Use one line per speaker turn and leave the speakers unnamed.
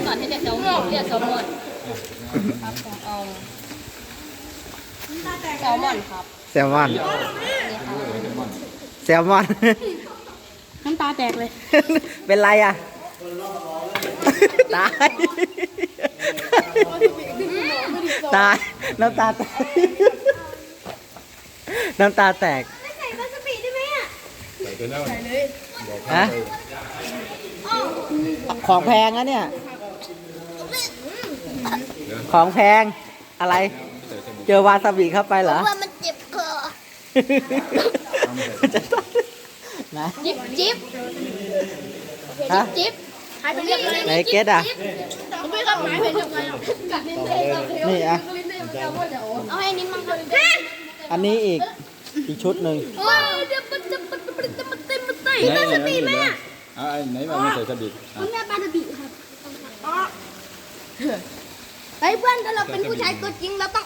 ก่อนให้เรียกแซลมอนเรียกแซลมอนครับเอาแซลมอนครับ
แซลมอน แซลมอน
น้ำตาแตกเลย
เป็นไรอ่ะ ตาย ตาย น้ำตาแตก น้ำตาแตก
ใส่วาซาบิได้ไหมอ่ะ
ฮะ ของแพงนะเนี่ย ของแพง อะไร เจอวาซาบิเข้าไปเหรอ
ว่ามันเจ็บคอ
นะ
จิ๊บจิ๊บ
ฮะ
จิ๊บหายไปเรียบเลย
ไหนเกตอ่ะ
ไม่ครับหายไปยังไงอ่ะกัดลิ้นเอง
นี่อ่ะ
เอาให้นิ้มมั่งครับ
อันนี้อีกชุดหนึ่ง
โอ้ยเดี๋ยวมันจะเต็ม
ไหนวาซาบิไหมอ่ะไหนมาไม่ใส่วาซาบิ
คุณแม่ปลาตะบิครับเฮ้ยเพื่อนถ้าเราเป็นผู้ชายตัวจริงเราต้อง